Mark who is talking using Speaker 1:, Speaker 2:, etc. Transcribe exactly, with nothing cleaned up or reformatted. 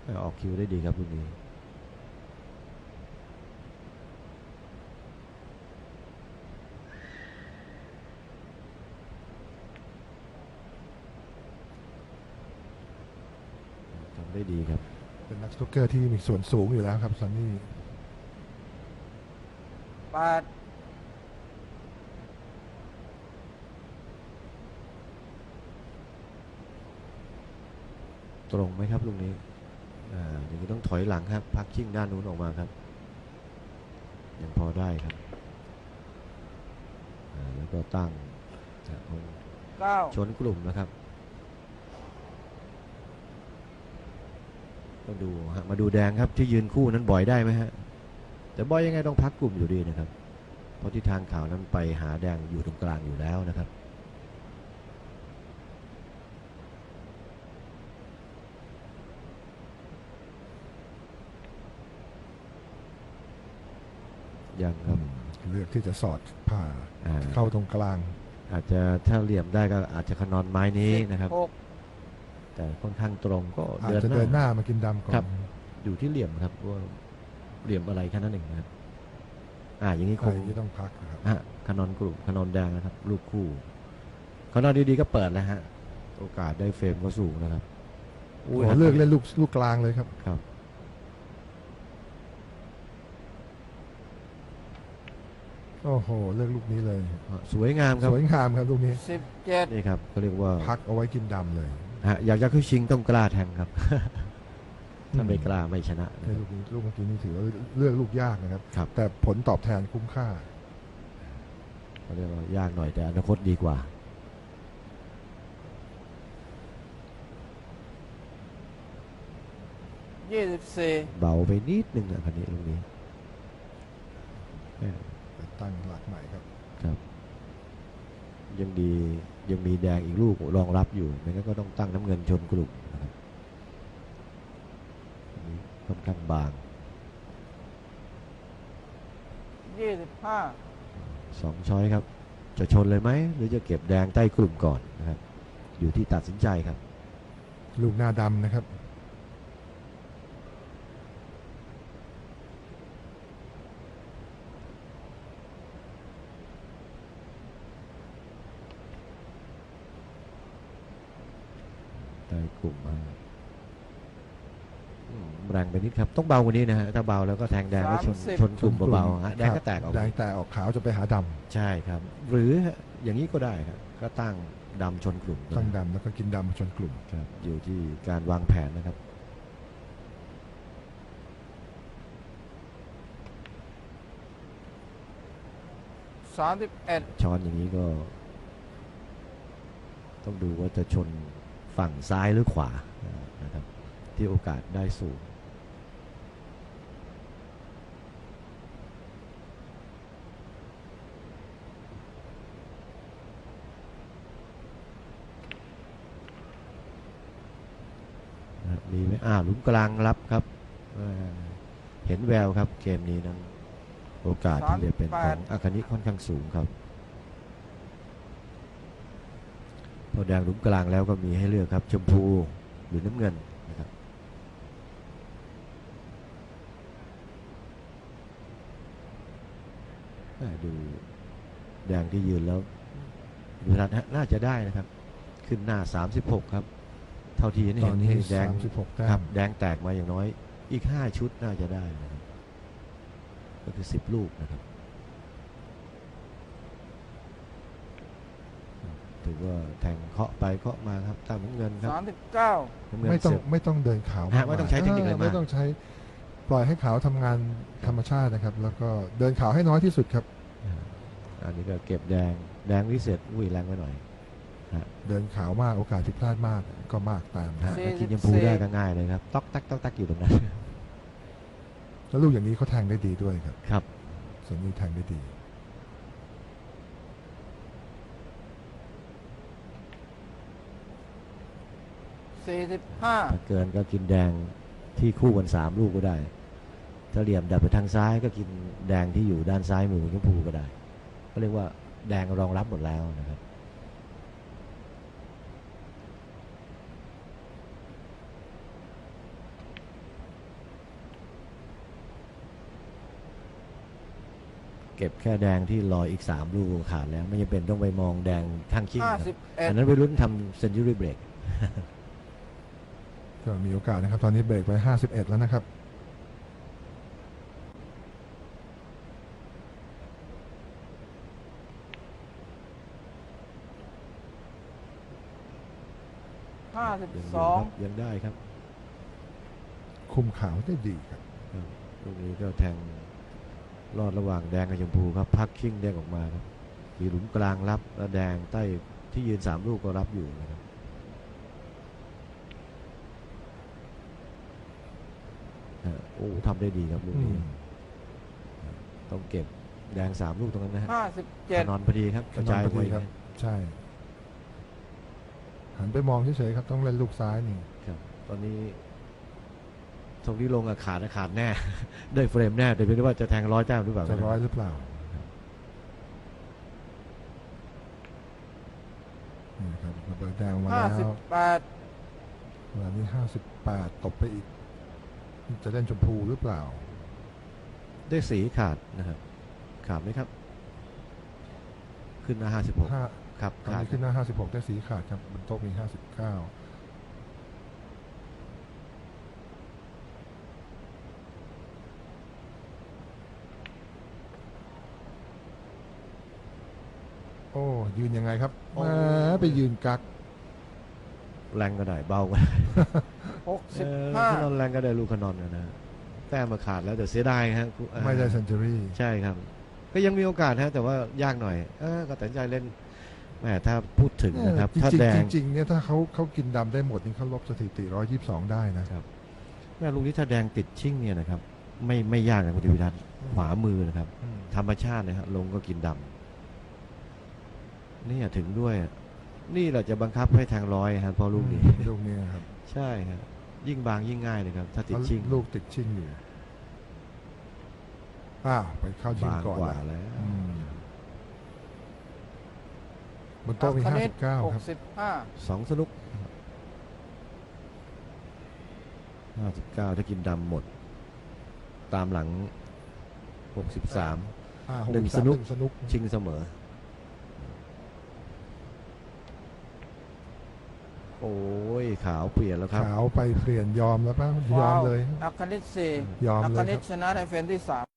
Speaker 1: ออกคิวได้ดีครับลูกนี้ทำได้ดีครับ
Speaker 2: เป็นนักสนุกเกอร์ที่มีส่วนสูงอยู่แล้วครับซันนี่
Speaker 3: แปด
Speaker 1: ตรงไหมครับลูกนี้อ่าอย่างนี้ต้องถอยหลังครับพักชิ่งด้านนู้นออกมาครับยังพอได้ครับอ่าแล้วก็ตั้ง
Speaker 3: เก้า
Speaker 1: ชนกลุ่มนะครับต้องดูฮะมาดูแดงครับที่ยืนคู่นั้นบ่อยได้ไหมฮะแต่บ่อยยังไงต้องพักกลุ่มอยู่ดีนะครับเพราะที่ทางข่าวนั้นไปหาแดงอยู่ตรงกลางอยู่แล้วนะครับยังครับ
Speaker 2: เลือกที่จะสอดผ่าเข้าตรงกลาง
Speaker 1: อาจจะถ้าเหลี่ยมได้ก็อาจจะขนอนไม้นี้นะครับแต่ค่อนข้างตรงก็
Speaker 2: อาจจะเดินหน้ามากินดำก่อน
Speaker 1: อยู่ที่เหลี่ยมครับว่าเหลี่ยมอะไรแค่นั้นเองนะครับอ่าอย่างนี้คง
Speaker 2: ต้องพักนะครับ
Speaker 1: ฮะขนอนกลุ่มขนอนแดงนะครับลูกคู่ขนอนดีๆก็เปิดแล้วฮะโอกาสได้เฟรมก็สูงนะครับ
Speaker 2: โอ้เลือกเล่นลูกลูกกลางเลยครับ
Speaker 1: ครับ
Speaker 2: โอ้โหเลือกลูกนี้เลย
Speaker 1: สวยงามครับ
Speaker 2: สวยงามครับลูกนี้
Speaker 3: สิบเจ็ด
Speaker 1: นี่ครับเขาเรียกว่า
Speaker 2: พักเอาไว้กินดำเลย
Speaker 1: ฮะอยากจะขึ้นชิงต้องกล้าแทงครับถ้าไม่กล้าไม่ชนะ
Speaker 2: ลูกนี้ลูกเมื่อกี้นี่ถือว่าเลือกลูกยากนะครับแต่ผลตอบแทนคุ้มค่า
Speaker 1: เขาเรียกว่ายากหน่อยแต่อนาคตดีกว่า
Speaker 3: ยี่สิบสี่
Speaker 1: เบาไปนิดนึงนะคันนี้ลูกนี้
Speaker 2: ตั้งหลักใหม่ครับ
Speaker 1: ครับยังดียังมีแดงอีกลูกรองรับอยู่ไม่งั้นก็ต้องตั้งน้ำเงินชนกลุ่มนะครับค่อนข้างบาง
Speaker 3: ยี่สิบห้า
Speaker 1: สองช้อยครับจะชนเลยไหมหรือจะเก็บแดงใต้กลุ่มก่อนนะครับอยู่ที่ตัดสินใจครับ
Speaker 2: ลูกหน้าดำนะครับ
Speaker 1: กลุ่มแรงไปนิดครับต้องเบากว่านี้นะฮะถ้าเบาแล้วก็แทงแดงแล้วชนชนกลุ่มเบาๆฮะแดงก็แตกออก
Speaker 2: แดงแตกออกขาวจะไปหาด
Speaker 1: ำใช่ครับหรืออย่างนี้ก็ได้ครับก็ตั้งดำชนกลุ่ม
Speaker 2: ตั้งดำแล้วก็กินดำชนกลุ่ม
Speaker 1: ครับอยู่ที่การวางแผนนะครับ
Speaker 3: สามสิบเอ็ด
Speaker 1: ช้อนอย่างนี้ก็ต้องดูว่าจะชนฝั่งซ้ายหรือขวานะครับที่โอกาสได้สูงมีไหมอ่าหลุมกลางรับครับเห็นแววครับเกมนี้นั้นโอกาสที่จะเป็นของอาคานิค่อนข้างสูงครับพอแดงหลุมกลางแล้วก็มีให้เลือกครับชมพูหรือน้ำเงินนะครับดูแดงที่ยืนแล้วดูทัศน์น่าจะได้นะครับขึ้นหน้าสามสิบหกครับเท่าที่เห็นแดงครับแดงแตกมาอย่างน้อยอีกห้าชุดน่าจะได้นะครับก็คือสิบลูกนะครับถือว่าแทงเคาะไปเคาะมาครับตามเงินครับ
Speaker 3: สามสิบเก้า
Speaker 2: ไม่ต้องไม่ต้องเดินขาว
Speaker 1: ไม่ต้องใช้เทคนิคอะไรมาก
Speaker 2: ไม่ต้องใช้ปล่อยให้ขาวทำงานธรรมชาตินะครับแล้วก็เดินขาวให้น้อยที่สุดครับ
Speaker 1: อันนี้ก็เก็บแดงแดงวิเศษอุ้ยแรงไปหน่อย
Speaker 2: เดินขาวมากโอกาสที่พลาดมากก็มากตาม
Speaker 1: นะกินยมพูได้ก็ง่ายเลยครับต๊อกตักต๊อกตักอยู่ตรงนั้น
Speaker 2: แล้วลูกอย่างนี้เขาแทงได้ดีด้วยครับ
Speaker 1: ครับ
Speaker 2: ส่วนนี้แทงได้ดี
Speaker 3: สี่สิบห้า
Speaker 1: ถ้าเกินก็กินแดงที่คู่กันสามลูกก็ได้ถ้าเหลี่ยมดับไปทางซ้ายก็กินแดงที่อยู่ด้านซ้ายมือชมพูก็ได้ก็เรียกว่าแดงรองรับหมดแล้วนะครับเก็บแค่แดงที่รออีกสามลูกก็ขาดแล้วไม่จำเป็นต้องไปมองแดงข้างคิ้ง
Speaker 3: ห้า
Speaker 1: นะ
Speaker 3: สิบเอ็ด
Speaker 1: อันนั้นไปลุ้นทำเซนจูรี่เบรก
Speaker 2: ก็มีโอกาสนะครับ ตอนนี้เบรกไปห้าสิบเอ็ดแล้วนะครับ
Speaker 3: ห้าสิบ
Speaker 1: ยัง
Speaker 3: ส
Speaker 1: อยู่
Speaker 3: อง
Speaker 1: ครับยังได้ครับ
Speaker 2: คุมขาวได้ดีครับ
Speaker 1: ครับลูกนี้ก็แทงรอดระหว่างแดงกับชมพูครับพักคิ้งแดงออกมาครับมีหลุมกลางรับแล้วแดงใต้ที่ยืนสามลูกก็รับอยู่นะครับอ่าโอ้ทำได้ดีครับลูก
Speaker 2: อื
Speaker 1: นี้
Speaker 2: ม
Speaker 1: ต้องเก็บแดงสามลูกตรงนั้นนะฮะ
Speaker 3: ห้าสิบเจ็ด
Speaker 1: นอนพอดีครับกระจาย
Speaker 2: ขนอนพ
Speaker 1: ไป
Speaker 2: อดีครับ ใช่ หันไปมองเฉยๆครับ ต้องเล่นลูกซ้ายนี่
Speaker 1: ครับตอนนี้ตรงที่ลงอะขาดอะขาดแน่ ได้เฟรมแน่แต่ไม่รู้ว่าจะแทงร้อยแต้มหรือเปล่า
Speaker 2: จะร้อยหรือเปล่านี่ครับระเบิดแดงมา
Speaker 3: ห้า
Speaker 2: แล้
Speaker 3: สิบ
Speaker 2: ว
Speaker 3: แปด
Speaker 2: เวลานี้ห้าสิบแปดตบไปอีก จะเล่นชมพูหรือเปล่า
Speaker 1: ได้สีขาดนะครับขาดไหมครับ ขึ้นมาห้าสิบหก
Speaker 2: ห้า
Speaker 1: ครับ
Speaker 2: ตอน
Speaker 1: ขาด
Speaker 2: นี้ขึ้นหน้าห้าสิบหกได้สีขาดครับบนโต๊ะมีห้าสิบเก้าโอ้ยืนยังไงครับแหมไปยืนกัก
Speaker 1: แรงก็ได้เบาก็ได้
Speaker 3: หกสิบ
Speaker 1: เออ
Speaker 3: ห้า
Speaker 1: ขนอนแรงก็ได้ลูกขนอนนะแต้มมาขาดแล้วแต่เสียดายฮะอ่า
Speaker 2: ไม่ได้เซนจูรี่
Speaker 1: ใช่ครับ ก็ยังมีโอกาสฮะแต่ว่ายากหน่อยเออก็ตัดสินใจเล่นแหมถ้าพูดถึงนะครับ
Speaker 2: จริง
Speaker 1: ถ้า
Speaker 2: ๆ
Speaker 1: แดง
Speaker 2: จริงๆเนี่ยถ้าเขาเขากินดำได้หมดนี่เขาลบสถิติหนึ่งร้อยยี่สิบสองได้นะครับ
Speaker 1: แม่ลูกนี้ถ้าแดงติดชิ่งเนี่ยนะครับ ไม่ไม่ยากนะคุณธีวิทัศน์ขวามือนะครับ
Speaker 2: อืม
Speaker 1: ธรรมชาตินะครับลงก็กินดำนี่ถึงด้วย นี่แหละจะบังคับให้แทงร้อยครับเพราะลูกนี้
Speaker 2: ลูกนี้ครับ
Speaker 1: ใช่ครับยิ่งบางยิ่งง่ายเลยครับ ถ้าติดชิ่ง
Speaker 2: ลูกติดชิงอยู่อ้าวไปเข้าชิง
Speaker 1: บาง
Speaker 2: ก่อน
Speaker 1: กว่า
Speaker 2: ละ
Speaker 1: แล้ว
Speaker 2: อืมบนโต๊ะมี
Speaker 3: ค
Speaker 2: ห้า
Speaker 3: ณิ
Speaker 2: สิ
Speaker 3: ต
Speaker 2: บเก้า
Speaker 3: หก
Speaker 2: ครับ
Speaker 3: สิบห้า
Speaker 1: สองสนุกห้าสิบเก้าถ้ากินดำหมด ตามหลังหกสิบสาม
Speaker 2: อ่า
Speaker 1: หนึ่ง
Speaker 2: หกสิบสาม
Speaker 1: สนุก
Speaker 2: หนึ่งสนุก
Speaker 1: ชิงเสมอ โอ้ยขาวเปลี่ยนแล้วครับ
Speaker 2: ขาวไปเปลี่ยนยอมแล้วป่ะยอมเลย
Speaker 3: อัคคณิตสี่
Speaker 2: ยอม
Speaker 3: อัค
Speaker 2: เล
Speaker 3: ค
Speaker 2: ย
Speaker 3: ณิ
Speaker 2: ค
Speaker 3: ต
Speaker 2: รับ
Speaker 3: ชนะในเฟรมที่สาม